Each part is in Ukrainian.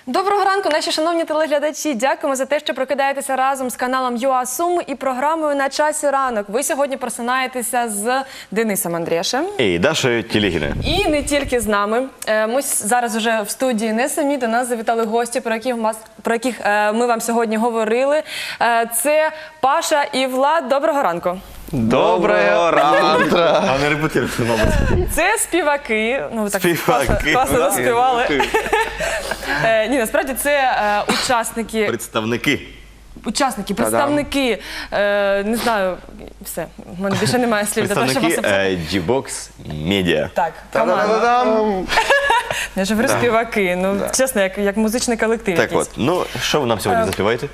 Доброго ранку, наші шановні телеглядачі. Дякуємо за те, що прокидаєтеся разом з каналом ЮА Суми і програмою «На часі ранок». Ви сьогодні просинаєтеся з Денисом Андрєшем. І Дашою Телегіною. І не тільки з нами. Ми зараз вже в студії не самі. До нас завітали гості, про яких ми вам сьогодні говорили. Це Паша і Влад. Доброго ранку. Доброго ранку! А не репетируйте, мабуть. Це співаки. Ну, так Співаки. класно заспівали. Ні, насправді це учасники. Представники, не знаю, все, в мене більше немає слів для того, щоб вас Представники G-Box Media. Так, команда. Я ж говорю співаки, ну, чесно, як музичний колектив Так якийсь. от, ну, що ви нам сьогодні заспіваєте?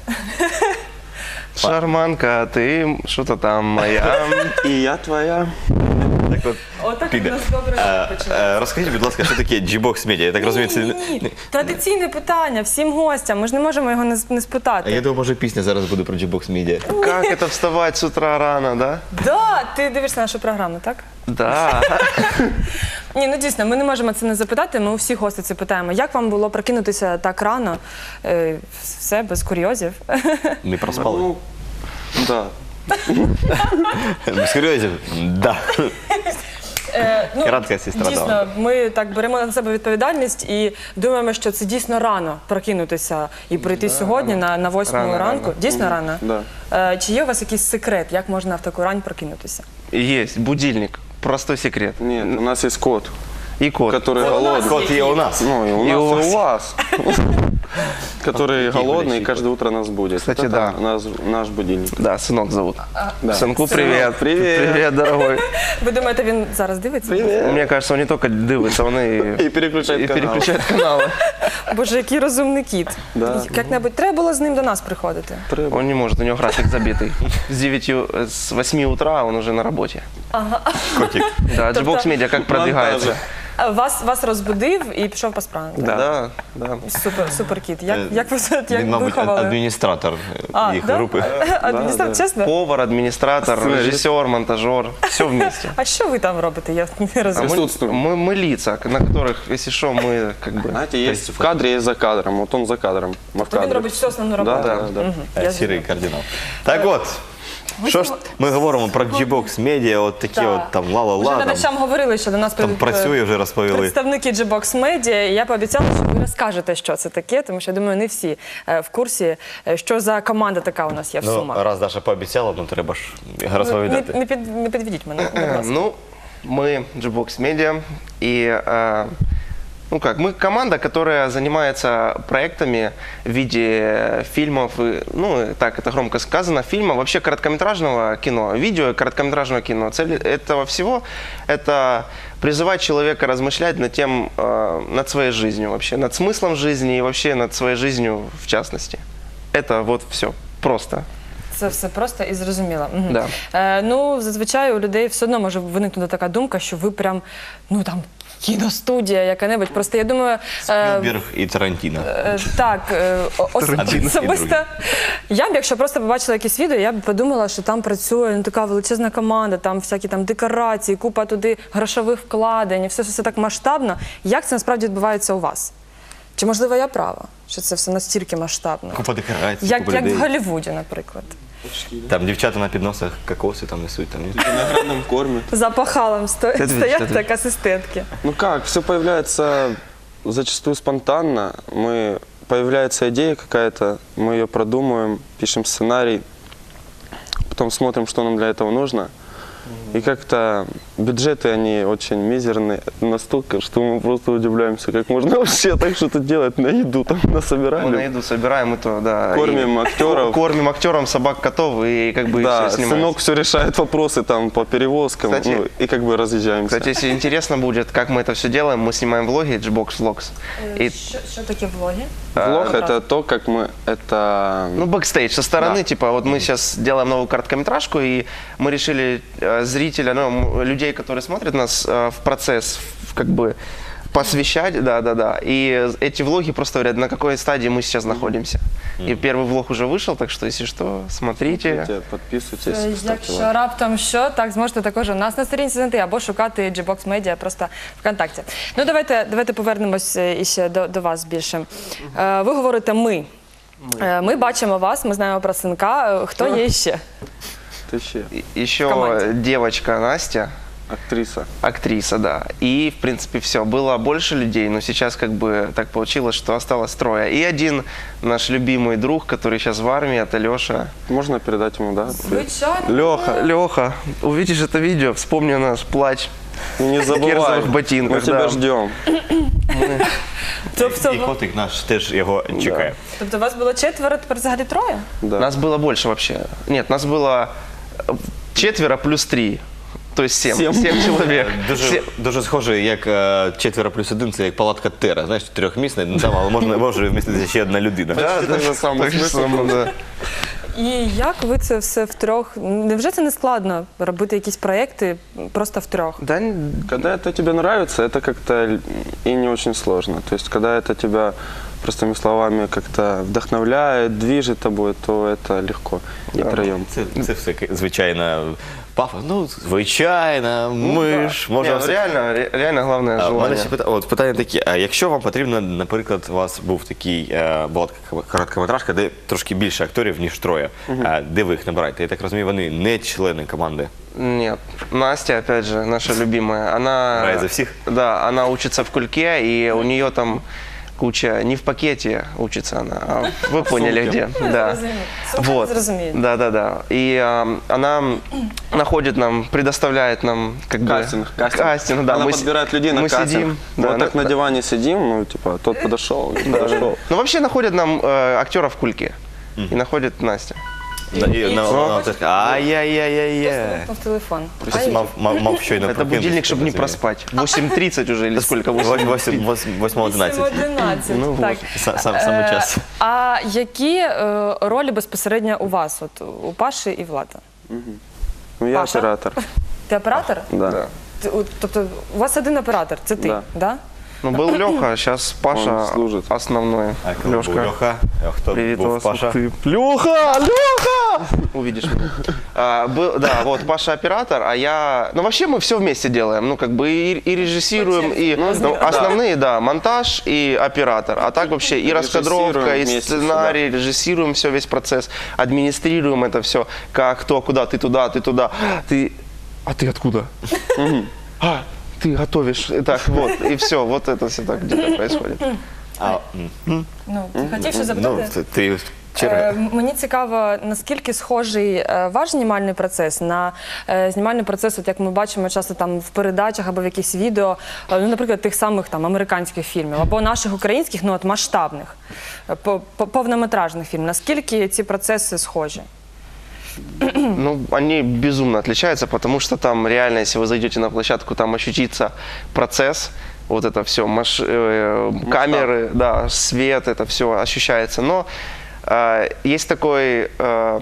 Шарманка, ти що-то там моя, і я твоя. Так от, Отак у піде. нас добре починається. Розкажіть, будь ласка, що таке G-Box Media? Я так розумію, це... Ні. Традиційне питання всім гостям, ми ж не можемо його не спитати. Я думаю, може пісня зараз буде про G-Box Media. Как это вставать с утра рано, да? Да, ти дивишся нашу програму, так? Да. Ні, ну дійсно, ми не можемо це не запитати, ми у всіх гостей це питаємо. Як вам було прокинутися так рано? Все, без курйозів. Не проспали? Ну, да. Без курйозів? Да. Ну, Кратка сестра дійсно, дала. ми так беремо на себе відповідальність і думаємо, що це дійсно рано прокинутися і прийти сьогодні на 8 Рано, ранку. рано. Дійсно рано? Да. Чи є у вас якийсь секрет, як можна в таку рань прокинутися? Есть будильник, простой секрет. Нет, у нас есть кот, И кот. который голодный. Кот є у нас. Ну, и у И нас, у и у вас. Который голодный и каждое утро нас будет. Кстати, Это да. наш будильник. Да, сынок зовут. Да. Сынку привет. Привет. Привет, дорогой. Ви думаєте, він зараз дивиться? Мне кажется, он не только дивится, он И переключает канал. переключает каналы. Боже, який розумний кіт. Да. Як-небудь треба було з ним до нас приходити? Он не может, у него график забитый. С 8 утра он уже на работе. Котик. Да, G-Box Media как продвигается? Вас розбудив і пішов по справам. так? Да. Да. Супер кіт. Як ви Він, мабуть, виховали? адміністратор їх да? групи. Адміністратор, чесно? Повар, администратор, режиссер, монтажер, все вместе. А що ви там робите? Я не розумію. Присутствуем. Мы лица, на которых, если что, мы как бы... Знаете, есть в кадре, есть за кадром. Вот он за кадром. Мы в То він кадре. робить всю основну роботу. Да, да, да. Я Сірий кардинал. Так от, що ж ми говоримо про G-Box Media, от такі Так. от там Вже ла-ла-ла, там, глядачам говорили, що до нас там працює, вже розповіли. представники G-Box Media, і я пообіцяла, що ви розкажете, що це таке, тому що, я думаю, не всі в курсі, що за команда така у нас є в Ну, Сумах. раз Даша пообіцяла, ну треба ж розповідати. Не підведіть мене, будь ласка. Ну, мы G-Box Media, и, мы команда, которая занимается проектами в виде фильмов, ну, так это громко сказано, фильмов, вообще короткометражного кино, видео и короткометражного кино. Цель этого всего – это призывать человека размышлять над своей жизнью вообще, над смыслом жизни и вообще над своей жизнью в частности. Это вот все, просто. Це все просто і зрозуміло. Мгм. Да. Ну, зазвичай у людей все одно може виникнути така думка, що ви прям, ну там, кіностудія яка-небудь. Просто я думаю... Спілберг і Тарантіно. Так, Тарантіно і особисто другі. я б, якщо просто побачила якісь відео, я б подумала, що там працює ну, така величезна команда, там всякі там декорації, купа туди грошових вкладень, все так масштабно. Як це насправді відбувається у вас? Чи, можливо, я права, що це все настільки масштабно? Купа декорацій, Як купа людей. в Голлівуді, наприклад. Там дівчата на підносах кокоси там несуть. Там. В виноградном корме. За пахалом стоять Ответь. так асистентки. Ну как, все появляется зачастую спонтанно. Появляется идея какая-то, мы ее продумываем, пишем сценарий, потом смотрим, что нам для этого нужно. И как-то бюджеты, они очень мизерные настолько, что мы просто удивляемся, как можно вообще так что-то делать, на еду там Мы на насобирали. еду собираем, и то, да. Кормим и актеров. Кормим актерам, собак, котов, и как бы Да, все снимаем. сынок все решает вопросы там по перевозкам, Кстати- ну, и как бы разъезжаемся. Кстати, если интересно будет, как мы это все делаем, мы снимаем влоги, G-Box Vlogs. И, Що таке влоги? Влог это то, как мы это... ну, бэкстейдж со стороны, Да. типа, вот мы сейчас делаем новую короткометражку, и мы решили зрителя, ну, людей, которые смотрят нас, в процесс, как бы, посвящать, да. И эти влоги просто говорят, на какой стадии мы сейчас находимся. И первый влог уже вышел, так что, если что, смотрите. Подписывайтесь, ставьте Якщо лайк. раптом що, так зможете також у нас на сторінці знайти або шукати Gbox Media просто ВКонтакті. Ну давайте повернемось іще до вас більше. Ви говорите ми. Ми бачимо вас, ми знаємо про синка. Хто є ще? Ты еще Еще команде. девочка Настя, актриса. актриса, да. И, в принципе, все. Было больше людей, но сейчас как бы так получилось, что осталось трое. И один наш любимый друг, который сейчас в армии, это Леша. Можно передать ему, да? Звичайно. Леха, увидишь это видео, вспомни наш плач. И не забывай, кирзовых ботинках, мы тебя да. ждем. І котик наш теж його чекає. Тобто вас було 4, тепер взагалі 3? Да. Нас было больше вообще. Нет, нас было 4 плюс 3. То есть 7. 7 человек. Дуже схоже, як 4+1, це як палатка Тера, знаєш, 4-місна, там, але може вміститися ще одна людина. Да, Почти да, же самый так же смысл. само, да. І як ви це все втрьох? Невже це не складно робити якісь проекти просто втрьох? Да, Когда это тебе нравится, это как-то и не очень сложно. То есть, когда это тебя, простыми словами, как-то вдохновляет, движет тобой, то это легко и втроем. Це все звичайно пафос. Ну, звичайно, ми ж Не, можемо ну все. реально главное У мене желание. ще питання такі, а якщо вам потрібно, наприклад, у вас був такий, була така короткометражка, де трошки більше акторів, ніж троє, де ви їх набираєте? Я так розумію, вони не члени команди. Нет, Настя, опять же, наша любимая, она... Играет за всех? Да, она учится в Кульке, и у нее там куча, не в пакете учится она, а вы поняли где. Да. Вот. Да. И она находит нам, предоставляет нам как Кастинг. бы... Кастинг, да. Она Мы подбирает людей на мы кастинг. сидим. Вот Да, так на диване сидим, ну, типа, тот подошел, не подошел. Ну, вообще находят нам актеров в Кульке. И находит Настя. І вона теж каже, ай-яй-яй-яй-яй. В телефон. Просто мав щойно Это прокинутися, будильник, чтобы не розумію. проспать. 8:30 уже или сколько? 8:11. 8:11. Ну, Так. Саме час. А які ролі безпосередньо у вас, от у Паші і Влада? Ну, я Паша? оператор. Ти оператор? Да. Тобто у вас один оператор, це ти, Да. да? Ну, был Леха, сейчас Паша Он служит. основной. А коли був Льоха, а хто Привет, був вас, Паша? ух ты. Леха! Увидишь меня. Да, вот Паша оператор, а я... Ну, вообще мы все вместе делаем. Ну, как бы и режиссируем, и основные, да, монтаж и оператор. А так вообще и раскадровка, и вместе сценарий, режиссируем все, весь процесс, администрируем это все. Как, кто, куда, ты туда, ты туда. А ты откуда? Ты готовишь. Так, вот, и все. Вот это все так где-то происходит. Ну, ти хотів ще Ну, запитати? ти черга. Мені цікаво, наскільки схожий ваш знімальний процес на знімальний процес, от як ми бачимо часто там в передачах або в якихось відео, ну, наприклад, тих самих там американських фільмів, або наших українських, ну от масштабних, повнометражних фільмів. Наскільки ці процеси схожі? Ну, они безумно отличаются, потому что там реально, если вы зайдете на площадку, там ощутится процесс, вот это все, камеры, да, свет, это все ощущается. Но есть такой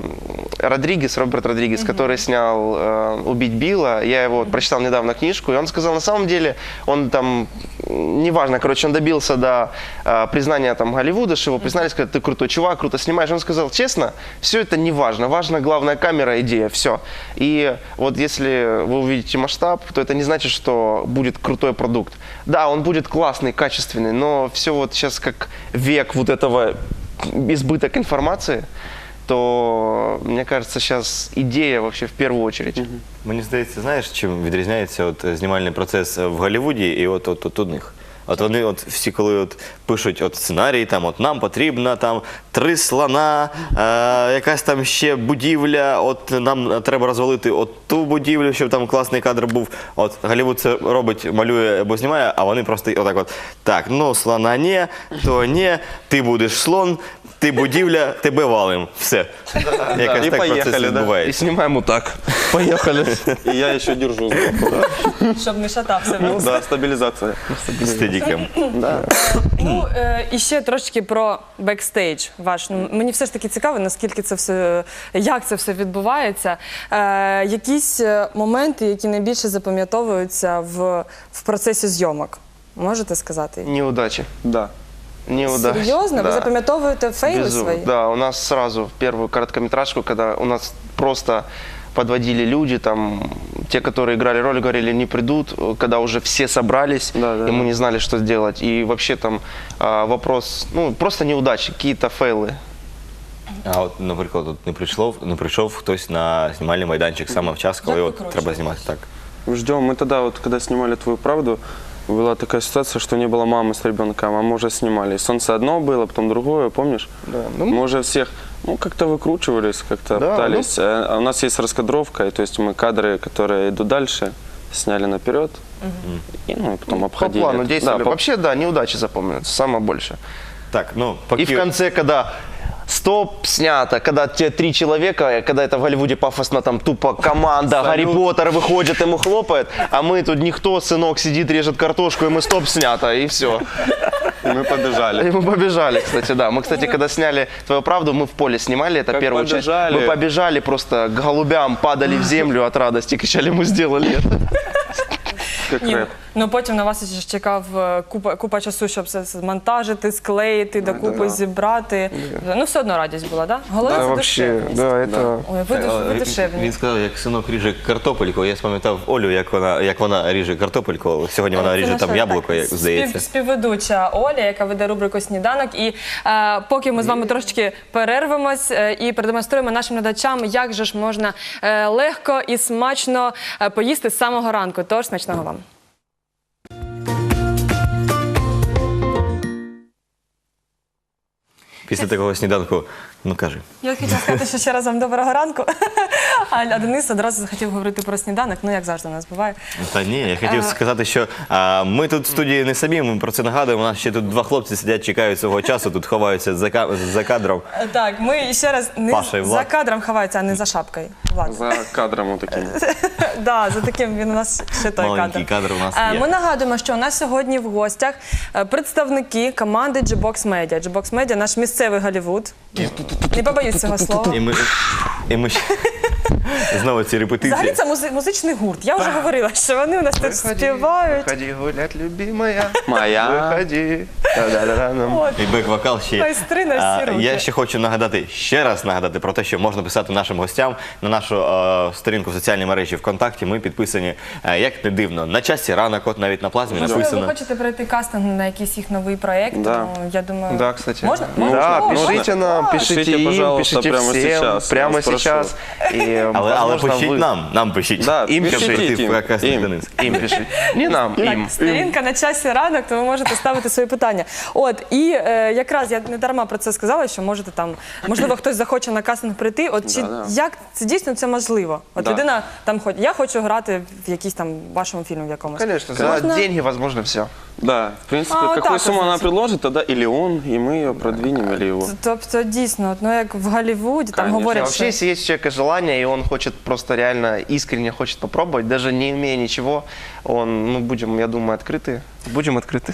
Роберт Родригес, который снял «Убить Билла». Я его прочитал недавно книжку, и он сказал, на самом деле, он там, неважно, короче, он добился до признания там Голливуда, что его признали, сказали, ты крутой чувак, круто снимаешь. Он сказал, честно, все это не важно, важна главная камера, идея, все. И вот если вы увидите масштаб, то это не значит, что будет крутой продукт. Да, он будет классный, качественный, но все вот сейчас как век вот этого избыток информации, то, мне кажется, сейчас идея вообще в первую очередь. Мені здається, знаєш, чим відрізняється от знімальний процес в Голлівуді і от у них? От вони от всі, коли от пишуть от сценарій, там от нам потрібно там 3 слона, якась там ще будівля, от нам треба розвалити от ту будівлю, щоб там класний кадр був. От Голлівуд це робить, малює або знімає, а вони просто отак от, так, ну слона не, то не, ти будеш слон, ти будівля, тебе валим. Все. Якось І так поїхали, процес да? И відбувається. снимаем вот так. Поехали. И я еще держу сбоку. Щоб не шатався. Ну да, стабилизация. Стедіком. Ну, і ще трошки про бекстейдж ваш. Ну, мені все ж таки цікаво, наскільки це все, як це все відбувається. Якісь моменти, які найбільше запам'ятовуються в процесі зйомок. Можете сказати? Неудачи. Да. Неудач. Серйозно? Ви Да. запам'ятовуєте фейли Безумно. свої? Да, у нас сразу в первую короткометражку, когда у нас просто подводили люди, там, те, которые играли роль, говорили, не придут, когда уже все собрались, Да, и мы не знали, что сделать. И вообще там вопрос, ну, просто неудачи, какие-то фейлы. А от, наприклад, от не прийшов хтось на знімальний майданчик саме в час, коли Як от викручуєтесь? треба знімати так. Ждем. Мы тогда, вот, когда снимали «Твою правду», была такая ситуация, что не было мамы с ребенком, а мы уже снимали. И «Солнце» одно было, потом другое, помнишь? Да, ну, Мы уже всех, ну, как-то выкручивались, как-то Да, пытались. А у нас есть раскадровка, и, то есть мы кадры, которые идут дальше, сняли наперед, и, ну, и потом по обходили. плану это. действовали. Да, по- Вообще, да, неудачи запомнятся, самое больше. Так, ну, И поки... в конце, когда стоп, снято, когда те 3 человека, когда это в Голливуде пафосно, там тупо команда, Гарри Поттер выходит, ему хлопает, а мы тут никто, сынок сидит, режет картошку, и мы стоп, снято, и все. И мы побежали. И мы побежали, кстати, да. Мы, кстати, когда сняли «Твою правду», мы в поле снимали, это Как первую часть. побежали. Мы побежали просто к голубям, падали в землю от радости, кричали, мы сделали это. Как Ні, рэп. ну потім на вас ще чекав купа часу, щоб все змонтажити, склеїти, докупи зібрати. Ну все одно радість була, так? Да? Головне Да, це вообще, душевність. да, это... Ой, ви душевні. Він сказав, як синок ріже картопельку. Я спам'ятав Олю, як вона ріже картопельку. Сьогодні вона Це ріже наша, там яблуко, так, як здається. Співведуча Оля, яка веде рубрику «Сніданок». І поки ми з вами трошечки перервемось і продемонструємо нашим глядачам, як же ж можна легко і смачно поїсти з самого ранку. Тож смачного вам. Після такого сніданку, ну кажи. Я хотіла сказати, що ще раз вам доброго ранку. А Денис одразу захотів говорити про сніданок, ну як завжди у нас буває. Та ні, я хотів сказати, що ми тут в студії не самі, ми про це нагадуємо. У нас ще тут 2 хлопці сидять, чекають свого часу, тут ховаються за кадром. Так, ми ще раз не Паша і Влад. за кадром ховаються, а не за шапкою. Влад. За кадром вот таким. Да, за таким він у нас ще той Маленький кадр. кадр у нас є. Ми нагадуємо, що у нас сьогодні в гостях представники команди G-Box Media. G-Box Media – наш місцевий Голлівуд. Не побоюсь цього слова. І ми ще... Знову ці репетиції. Взагалі це музичний гурт. Я вже говорила, що вони у нас тут співають. Выходи гулять, любимая. Моя. Выходи. Да-да-да-да. От. І бек-вокал ще є. Майстри на всі руки. Я ще хочу ще раз нагадати про те, що можна писати нашим гостям на нашу сторінку в соціальній мережі ВКонтакті. Ми підписані, як не дивно, на часі ранок, от навіть на плазмі Можливо, ви написано. хочете пройти кастинг на якийсь їх новий проєкт? Да. Ну, я думаю, Да, кстати. Можна? Да, Можна? пишите нам, пишите Пишите, им, пожалуйста, пишите прямо всем, сейчас. прямо Вас прошу. сейчас. И, Але возможно, пишіть вы- нам пишіть. Да, Им пишите пишите, им. Как Им. Денис. Им пишите. Не нам, им. Так, сторінка на часі ранок, то ви можете ставити свої питання. От, і якраз я не дарма про це сказала, що можете там, можливо, хтось захоче на кастинг прийти. От чи Да. як це дійсно це можливо? От Да. людина там я хочу грати в якійсь там вашому фільмі в якомусь. Конечно, за Можно? деньги возможно все. Да, в принципе, вот какую так сумму вот, она значит. предложит, тогда или он, и мы ее продвинем, или его. Тобто дійсно, от, ну як в Голлівуді, там Конечно. говорять, Вообще, що... если есть у человека желание, и он хочет просто реально искренне хочет попробовать, даже не имея ничего, он, ну, будем, я думаю, открыты. Будем открыты.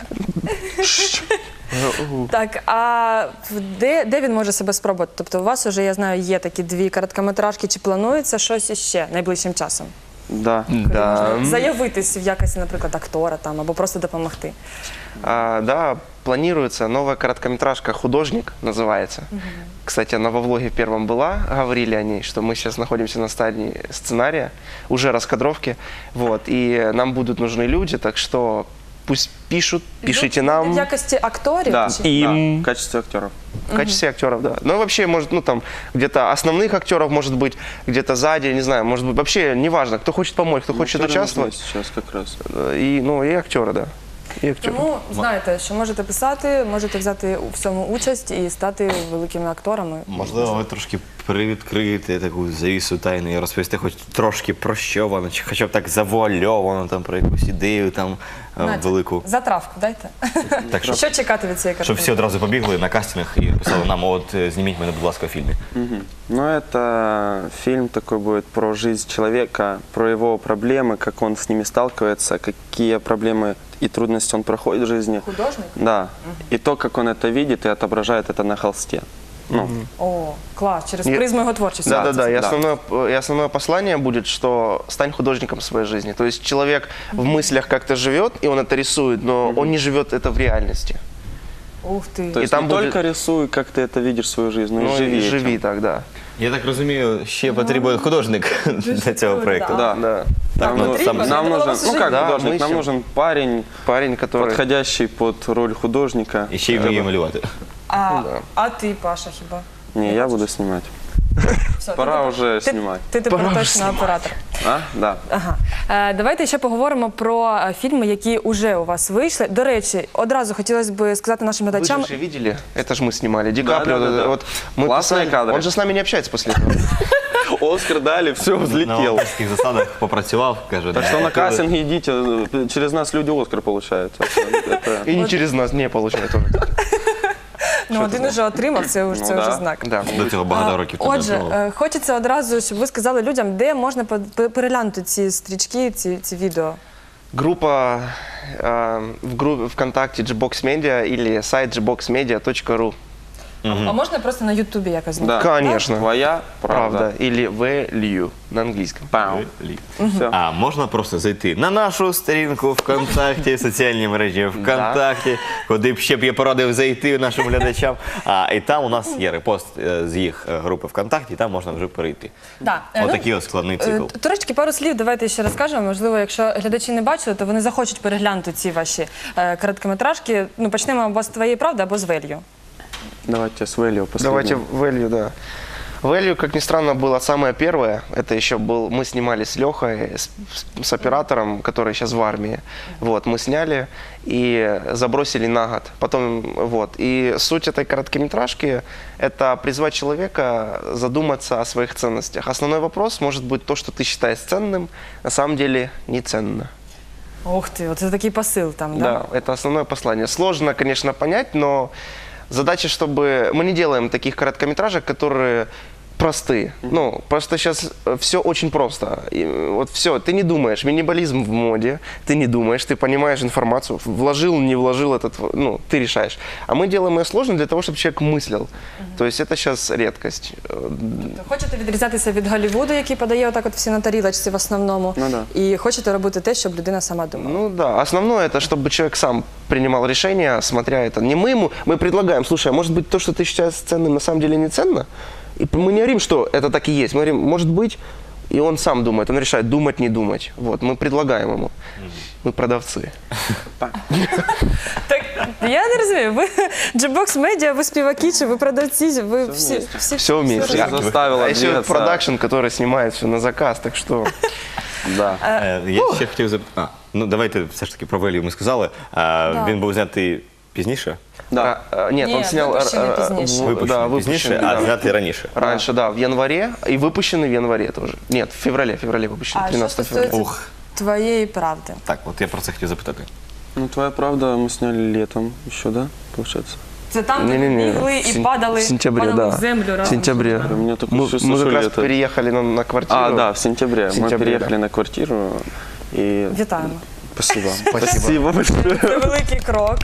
Так, а де він може себе спробувати? Тобто у вас вже, я знаю, є такі 2 короткометражки, чи планується щось іще найближчим часом? Да. Да. Заявитись в якості, наприклад, актора там, або просто допомогти. Да, планируется новая короткометражка «Художник» называется. Кстати, она во влоге первом была, говорили о ней, что мы сейчас находимся на стадии сценария, уже раскадровки, вот, и нам будут нужны люди, так что пусть пишут, пишите В нам якості акторів? Да, чи- Им. да, в качестве актеров. в качестве актеров, да. Ну, вообще, может, ну, там, где-то основных актеров, может быть, где-то сзади, не знаю, может быть, вообще, неважно, кто хочет помочь, кто хочет Актеры нужны участвовать, сейчас как раз. и, ну, и актеры, да. И актеры. Тому знаєте, що можете писати, можете взяти у всьому участь і стати великими акторами. Можливо, ви трошки привідкриєте таку завісу тайни і розповісти хоч трошки про що воно, чи хоча б так завуальовано, там, про якусь ідею там Надя, велику. Затравку дайте. Так, щоб Що чекати від цієї щоб картини? всі одразу побігли на кастинг і писали нам, от зніміть мене, будь ласка, в фільмі. Ну, это фильм такой будет про жизнь человека, про его проблемы, как он с ними сталкивается, какие проблемы и трудности он проходит в жизни. Художник? Да. И то, как он это видит и отображает это на холсте. Ну, О, клас, через Ні. призму його творчості. Да, да, да. И Да. основное послание будет, что стань художником своей жизни. То есть человек в мыслях как-то живет, и он это рисует, но он не живет это в реальности. Ух ти. То есть там не будет- только рисуй, как ты это видишь свою жизнь, но Ну, и живи и этим. живи так, да. Я так розумію, ще потрібен художник для цього проєкту. Да. Да. Так, ну, потрібен? сам, Я Нам думала, нужен, вас ну уже как Да, мы художник, нам ищем. нужен парень, Парень, который... подходящий под роль художника. і ще й вміє малювати. А ти, Паша, хіба? Не, я буду снимать. Все, Пора ти- уже ти- снимать. Ти тепер точно оператор. А? Да. Ага. Давайте ще поговоримо про фільми, які вже у вас вийшли. До речі, одразу хотілося б сказати нашим Вы глядачам. же видели? Это же мы снимали. Ди Каприо, да. вот мы Классные писали- кадры. Он же с нами не общается после этого. Оскар дали, все, На взлетел. авторських засадах попрацював, каже. Так что на кастинг идите, через нас люди Оскар получают. Это- И не через нас не получает он. Ну, один уже отримав, це вже да. знак. Да. До цього багато років тому Отже, було. хочеться одразу, щоб ви сказали людям, де можна переглянути ці стрічки, ці відео. Группа в группе ВКонтакте Gbox Media или сайт gboxmedia.ru. А можна просто на Ютубі якось знайти? Да. Конечно. Твоя правда. Правда. Или value на английском. Пау. Все. А можна просто зайти на нашу сторінку ВКонтакті, соціальні мережі ВКонтакті, куди б ще б я порадив зайти нашим глядачам. І там у нас є репост з їх групи ВКонтакті, і там можна вже перейти. Да. Отакий ось складний цикл. Трошечки пару слів давайте ще розкажемо. Можливо, якщо глядачі не бачили, то вони захочуть переглянути ці ваші короткометражки. Ну, почнемо або з «Твоєї правди», або з «Велью». Давайте с Вэлью последним. Давайте value, да. Value, как ни странно, было самое первое. Это еще был, мы снимали с Лехой, с оператором, который сейчас в армии. Вот, мы сняли и забросили на год. Потом, вот. И суть этой короткометражки – это призвать человека задуматься о своих ценностях. Основной вопрос может быть то, что ты считаешь ценным, на самом деле не ценно. Ух ти, оце такий посил там, да? Да, это основное послание. Сложно, конечно, понять, но задача, чтобы... Мы не делаем таких короткометражек, которые простые. Ну, просто сейчас все очень просто. И вот все, ты не думаешь, минимализм в моде, ты не думаешь, ты понимаешь информацию, вложил, не вложил этот, ну, ты решаешь. А мы делаем ее сложно для того, чтобы человек мыслил. То есть это сейчас редкость. Хочете відрізатися від Голлівуду, який подає отак от всі на тарілочці в основному, Ну да. і хочете робити те, щоб людина сама думала. Ну да, основное это, чтобы человек сам принимал решение, смотря это. Не мы ему, мы предлагаем, слушай, а может быть то, что ты считаешь ценным, на самом деле не ценно? И мы не говорим, что это так и есть. Мы говорим, может быть, и он сам думает, он решает, думать, не думать. Вот, мы предлагаем ему. Мы продавцы. Так, я не розумію, ви Gbox Media, ви співаки, чи ви продавці, ви всі... Все вместе. Всё заставило А еще двигаться. продакшн, который снимает все на заказ, так что... Да. Я ще хотів запитати. Ну, давайте все ж таки про Велію ми сказали. Він був знятий пізніше? Да. Нет, он Нет, снял... выпущенный позднейше. Випущений пізніше, а да. знятий раніше. Раньше, да, в январе, и выпущенный в январе тоже. Нет, в феврале выпущен, А що 13 февраля. стосується твоєї правди? Так, от я про це хотів запитати. Ну, твоя правда мы сняли летом еще, да, получается? Це там, де Не-не-не, бігли і падали, в сентябре, падали да. в землю В разом. сентябре. У меня такое Мы чувство, как что раз лето. переехали на квартиру. А, да, в сентябре. В сентябре, Мы переехали да. на квартиру. И... Вітаємо. Спасибо. Спасибо. большое. Це великий крок.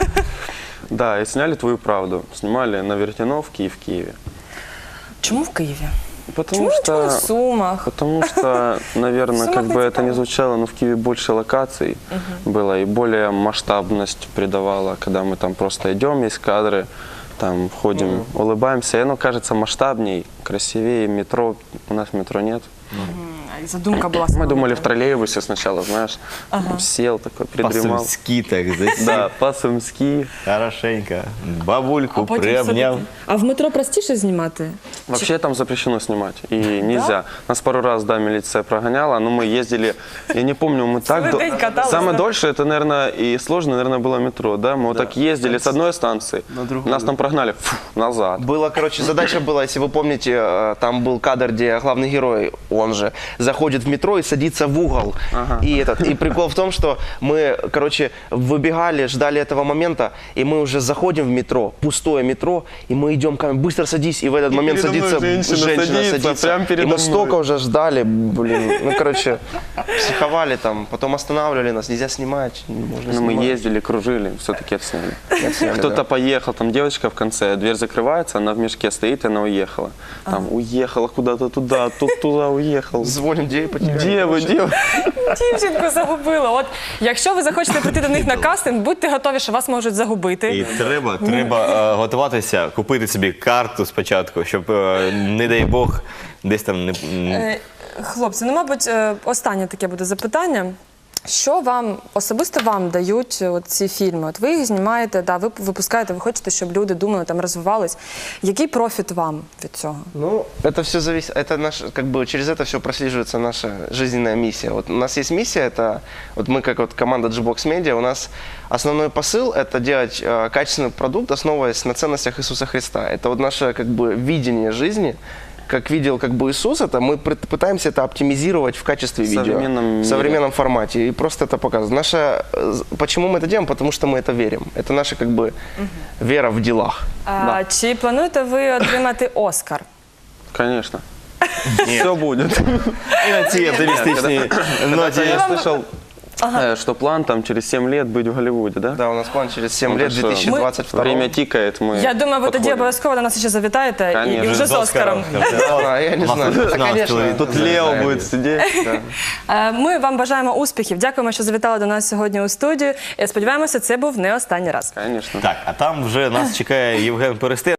Да, и сняли «Твою правду». Снимали на Вертяновке и в Киеве. Чому в Києві? Потому Чому что... не в Сумах? Потому что, наверное, Сумах как бы не это не цікаво. звучало, но в Киеве больше локаций было и более масштабность придавала, когда мы там просто идем, есть кадры, там ходим, улыбаемся, и оно кажется масштабней, красивее. Метро, у нас метро нет. І задумка була Мы сама. думали в троллейбусе сначала, знаешь, сел такой, придремал. По-сумськи так засів. Да, по-сумски. Хорошенько. Бабульку потім приобняв. все-таки- А в метро простіше знімати? Вообще там запрещено снимать, и нельзя. Нас пару раз, да, милиция прогоняла, но мы ездили, я не помню, мы так... Целый день каталась, Самое да? дольше, это, наверное, и сложно, наверное, было метро, да? Мы вот так ездили с одной станции, другую. нас там прогнали назад. Было, короче, задача была, если вы помните, там был кадр, где главный герой, он же, заходит в метро и садится в угол. И прикол в том, что мы, короче, выбегали, ждали этого момента, и мы уже заходим в метро, пустое метро, и мы идем, быстро садись, и в этот момент передо мной садится женщина садится, прям и передо мы мной. столько уже ждали, блин, ну, короче, психовали там, потом останавливали нас, нельзя снимать, можно Но мы снимать. ездили, кружили, все-таки отсняли. Отсняли, Кто-то да. поехал, там девочка в конце, дверь закрывается, она в мешке стоит, и она уехала. Там уехала куда-то туда, тут туда уехал. Звонит посмотрим, где я потерял. Девы. Дівчинку загубила. От якщо ви захочете прийти до них на кастинг, будьте готові, що вас можуть загубити. І треба готуватися, купити собі карту спочатку, щоб, не дай Бог, десь там не... Хлопці, ну, мабуть, останнє таке буде запитання. Що вам, особисто вам дають от ці фільми? От ви їх знімаєте, да, ви випускаєте, ви хочете, щоб люди думали, там, розвивались. Який профіт вам від цього? Ну, это все зависит, это наш, как бы через это все прослеживается наша жизненная миссия. Вот у нас есть миссия, это вот мы как вот команда G-Box Media, у нас основной посыл это делать качественный продукт, основываясь на ценностях Иисуса Христа. Это вот наше как бы видение жизни. Как видел как бы Иисус, это мы пытаемся это оптимизировать в качестве видео. В современном формате. И просто это показывает. Почему мы это делаем? Потому что мы это верим. Это наша как бы вера в делах. Чи плануєте ви отримати Оскар? Конечно. Все будет. І на цій оптимістичній ноті. Я слышал, что план там через 7 лет быть в Голливуде, да? Да, у нас план через 7 лет, так что 2022. Время тикает, мы Я думаю, ви тоді подходим. обов'язково до нас ще завітаєте і Конечно. вже з Оскаром. Да, я не знаю. Да, конечно. Тут Лео будет сидеть. Ми вам бажаємо успіхів. Дякуємо, що завітали до нас сьогодні у студію. І сподіваємося, це був не останній раз. Конечно. Так, а там вже нас чекає Євген Перестер.